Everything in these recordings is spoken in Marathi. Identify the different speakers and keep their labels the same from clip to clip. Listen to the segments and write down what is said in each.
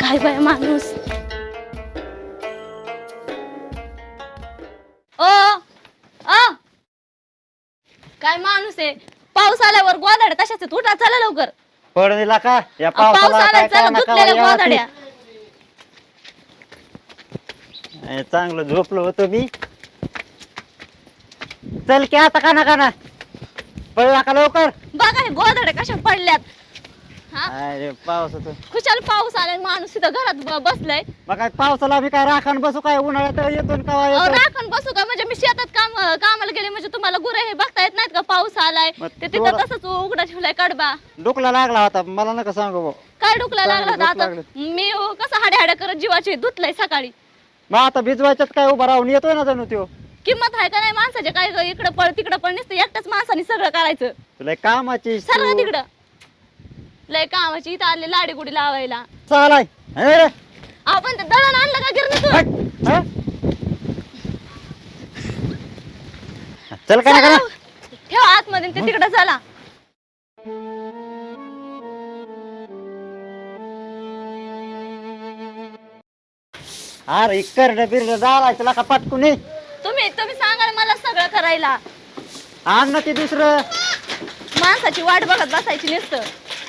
Speaker 1: काय बाय माणूस. ओ आ काय माणूस आहे. पाऊस आल्यावर गोदाड्या तशाच आहेत. उठा चला लवकर.
Speaker 2: पड दिला का या
Speaker 1: पाऊस
Speaker 2: पावसाला
Speaker 1: आलाय
Speaker 2: काय
Speaker 1: चला
Speaker 2: कळना
Speaker 1: धुतलेल्या
Speaker 2: कवा
Speaker 1: गोदाड्या.
Speaker 2: यावं. चांगलं झोपलो होतो मी. चल की आता काना काना पडला का लवकर.
Speaker 1: बघा हे गोदाड्या कशा पडल्यात. हा
Speaker 2: अरे पावसाचं
Speaker 1: खुशाल पाऊस आलाय. माणूस इथं घरात बसलाय.
Speaker 2: मग काय पावसाला मी काय राखण बसू काय उन्हाळ्यात येतो न कवा येतो.
Speaker 1: राखण बसू का म्हणजे मी शेतात कामाला गेले म्हणजे तुम्हाला गुरे हे बघता येत नाहीत का. पाऊस आलाय
Speaker 2: मग
Speaker 1: ते तिथं
Speaker 2: थोडं-
Speaker 1: तसंच उघडा ठेवलाय कडबा.
Speaker 2: डोकला लागला होता मला नका सांगू भाऊ.
Speaker 1: काय डुकला लागला होता
Speaker 2: डोकं
Speaker 1: आता. मी कसं हाड्या हाड्या करत जीवाची धुतलंय सकाळी.
Speaker 2: मग आता भिजवायच्यात काय उभा राहून येतोय ना जणू त्यो.
Speaker 1: किंमत आहे का नाही माणसाचे. काय इकडं पळ तिकडं पळ नसतं एकट्याच माणसाने सगळं करायचं.
Speaker 2: तुला कामाची
Speaker 1: सगळं तिकडं लय कामाची. इथं आले लाडी गुडी लावायला.
Speaker 2: चालाय
Speaker 1: आपण ते दळण आणलं का गिरणीतून.
Speaker 2: चल का ना
Speaker 1: ठेव आतमध्ये ते तिकडं चला.
Speaker 2: अरे करड बिरड जायचं ला का पटकून ये.
Speaker 1: तुम्ही सांगाल मला सगळं करायला.
Speaker 2: आण ना ते दुसरं.
Speaker 1: माणसाची वाट बघत बसायची नुसतं.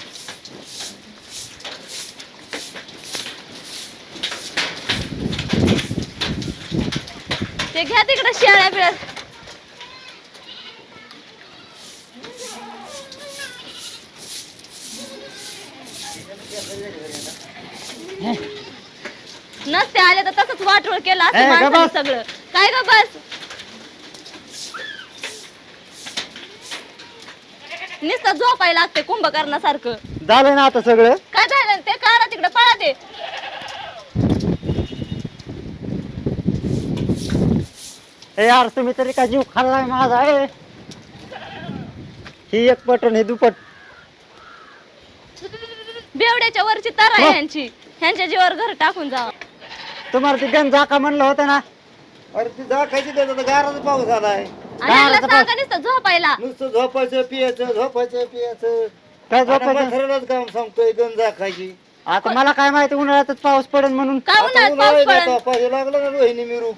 Speaker 1: ते घ्या तिकडे शेळ्या बिळ्या. नसते आले तर तसंच वाटोळ केलं असं
Speaker 2: ग
Speaker 1: माणसाने
Speaker 2: बस.
Speaker 1: सगळं. काय ग बस. नुसतं झोपायला लागते कुंभकर्णासारखं.
Speaker 2: झालं ना आता सगळं.
Speaker 1: काय झालं ते काढा तिकडे पळा ते.
Speaker 2: ए यार तुम्ही तरी का जीव खाल्लाय माझा आहे. ही एक पटन हे दुपट.
Speaker 1: बेवड्याच्या वरची तारा आहे ह्यांची. ह्यांच्या जीवावर घर टाकून जावा.
Speaker 2: तुम्हाला ती गण जाका म्हणलं होतं ना.
Speaker 3: अरे ती जाखायची त्याचा गाराचा पाऊस आलाय.
Speaker 1: आणि ह्यांना सांगा नुसतं झोपायला.
Speaker 3: नुसतं झोपायचं पियाचं झोपायचं पियाचं.
Speaker 2: काय झोपायचं.
Speaker 3: खरंच काम सांगतोय गण जाखायची.
Speaker 2: आता मला काय माहिती उन्हाळ्यातच पाऊस पडेल म्हणून.
Speaker 1: काय उन्हाळ्यात पाऊस पडन.
Speaker 3: पाहिजे लागलं ना रोहिणी मिरू.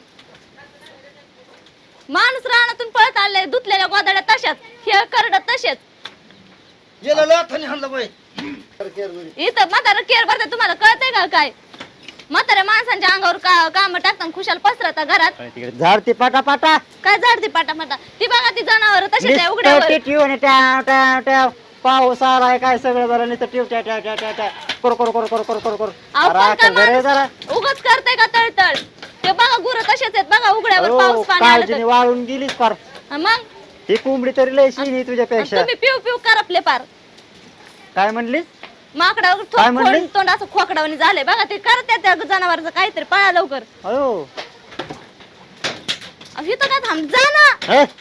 Speaker 1: माणूस रानातून पळत आले. धुतलेल्या गोदाड्या तशाच. हे करड तसेच.
Speaker 3: गेला लाथाने हाणलं बाई.
Speaker 1: इथं म्हातारा केअर भरते. तुम्हाला कळतंय का काय. म्हाताऱ्या माणसांच्या अंगावर काम टाकताना खुशाल पसरता घरात.
Speaker 2: तिकडे झाडती पाटा पाटा.
Speaker 1: काय झाडती पाटा ती बघा ती जनावर तशीच आहे उघड्यावर.
Speaker 2: पाऊस आलाय काय सगळं बरं नाही तर टिव ट्या ट्या ट्या ट्या ट्या कर कर कर कर कर कर कर.
Speaker 1: अहो, पण काय माणूस उगाच करते का तळतळ. ते बघा गुरं तसेच आहेत बघा उघड्यावर पाऊस पाणी आलं
Speaker 2: काळजीने
Speaker 1: तर.
Speaker 2: वाळून गेलीच फार.
Speaker 1: मग
Speaker 2: ही कोंबडी तरी लय शिनी तुझ्यापेक्षा.
Speaker 1: तुम्ही पिऊ पिऊ करपले पार.
Speaker 2: काय म्हणलीस.
Speaker 1: माकडावर
Speaker 2: काय म्हणली?
Speaker 1: तोंड असं खोकडावणी झाले बघा ते करते त्या जनावरचं काहीतरी. पळा लवकर.
Speaker 2: अयो
Speaker 1: इथं काय थांब जा ना.
Speaker 2: हे,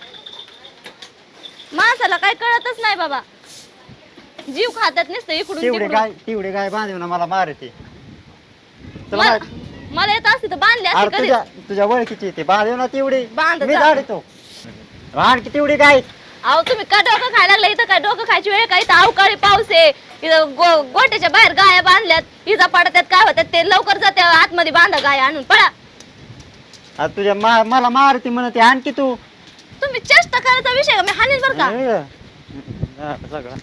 Speaker 1: माणसाला काय कळतच नाही बाबा. जीव खातात नसतं इकडून तिकडून.
Speaker 2: तेवढे गाय बांधून मला मारते. चला
Speaker 1: मला येत असते तर बांधले असते
Speaker 2: अरे
Speaker 1: कधी.
Speaker 2: तुझ्या ओळखीची ते बांधव ना तेवढी.
Speaker 1: बांध
Speaker 2: मी
Speaker 1: जा.
Speaker 2: झाडतो आणखी तेवढी गाय.
Speaker 1: अहो तुम्ही का डोकं खायला लागला. इथं काय डोकं खायची वेळ का. इथं अवकाळी पाऊस आहे. इथं गोट्याच्या बाहेर गाया बांधल्यात. इजा पडतात काय होतात ते. लवकर जाते आतमध्ये बांधा गाय आणून पळा.
Speaker 2: आता तुझ्या मला मारती म्हणते आणखी तू.
Speaker 1: तुम्ही चेष्टा करायचा विषय का. मी हानील बर का.
Speaker 2: सगळं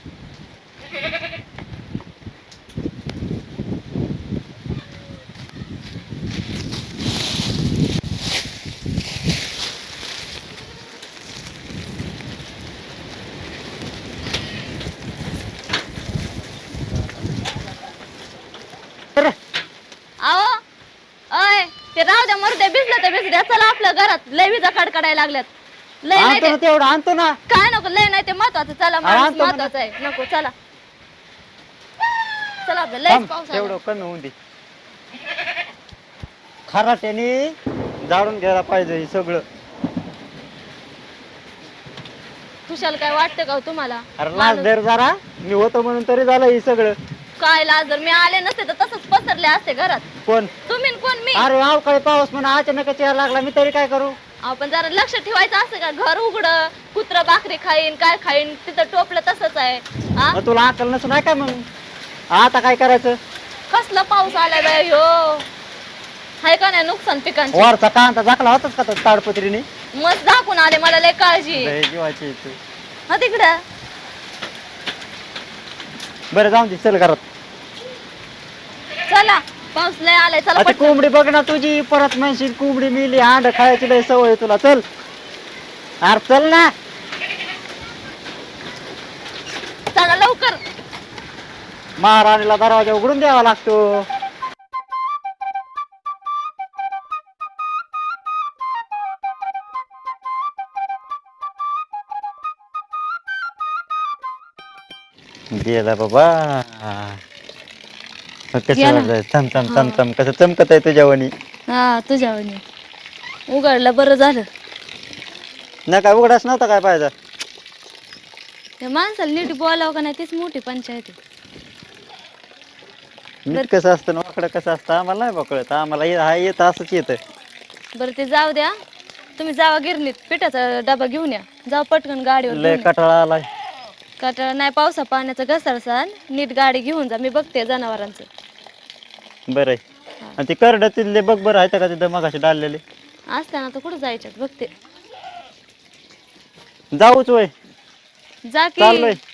Speaker 1: अहो अय ते राहू द्या मरू द्या. भिजलं तर भिजू द्या. चला आपल्या घरात लय विजा कडकडायला लागल्यात. लय नाही
Speaker 2: आणतो
Speaker 1: ते.
Speaker 2: ना तेवढं आणतो ना.
Speaker 1: काय नको लय नाही ते महत्वाचं. चला माणूस
Speaker 2: आणतो म्हणा.
Speaker 1: महत्वाचं आहे. नको चला चला आपलं लय
Speaker 2: थांब,
Speaker 1: पाऊस
Speaker 2: तेवढं
Speaker 1: आला.
Speaker 2: कमी होऊन दे. खराट्याने जाळून घ्यायला पाहिजे हे सगळं.
Speaker 1: खुशाल काय वाटतं का हो तुम्हाला.
Speaker 2: अरे लाज
Speaker 1: माणूस-
Speaker 2: धर जरा. मी होतो म्हणून तरी झालं हे सगळं.
Speaker 1: काय लाज. जर मी आले नसते तर तसंच पसरले असते घरात.
Speaker 2: कोण.
Speaker 1: तुम्ही न कोण मी.
Speaker 2: अरे अवकाळी पाऊस म्हणा अचानकच यायला लागला मी तरी काय करू.
Speaker 1: आपण जरा लक्ष ठेवायचं असतं का. घर उघड कुत्र भाकरी खाईन काय खाईन तिथं टोपलं तसंच आहे. हा
Speaker 2: मग तुला अक्कल नसून आहे काय मग. आता काय करायचं.
Speaker 1: कसला पाऊस आलाय बाय ह्यो हाय का नाही नुकसान पिकांचे
Speaker 2: वरचा कांदा झाकला होताच का ताडपत्रीने
Speaker 1: मस्त दाखवून आले मला लय काळजी
Speaker 2: लय जीवाची आहे तू.
Speaker 1: हा तिकडं
Speaker 2: बरं जाऊन दे चल घरात.
Speaker 1: चला पाऊस लय आलाय चला
Speaker 2: आता
Speaker 1: पटकन.
Speaker 2: कोंबडी बघ ना तुझी परत म्हणशील कोंबडी मिली अंड खायची लय सवय आहे तुला चल अरे चल ना
Speaker 1: चला लवकर
Speaker 2: महाराणीला दरवाजा उघडून द्यावा लागतो. गेला बाबा
Speaker 1: गेला.
Speaker 2: कसं चम चम चम चम कसं चमकत आहे तुझ्यावानी
Speaker 1: हा तुझ्या उघडलं बरं झालं
Speaker 2: ना काय उघडाच नव्हता काय पाहिजे.
Speaker 1: त्या माणसाला नीट बोलावं का नाही तीच मोठी पंचायत आहे.
Speaker 2: नीट कसं असतं ना वाकडं कसं असतं आम्हाला नाही बकळत आम्हाला हा येत असंच येतं.
Speaker 1: बरं ते जाऊ द्या तुम्ही जावा गिरणीत पिठाचा डबा घेऊन या जाऊ पटकन गाडीवर
Speaker 2: लय
Speaker 1: घेऊन या.
Speaker 2: कटाळा आलाय.
Speaker 1: कटाळा नाही पावसा पाण्याचा घसरसान नीट गाडी घेऊन जा मी बघते जनावरांचं
Speaker 2: बरं आहे आणि ते करड तिथले बघ बरं आहे का तिथं मगाशी डाललेले
Speaker 1: असताना तर कुठं जायच्यात बघते
Speaker 2: जाऊच वय
Speaker 1: जा की
Speaker 2: चाललोय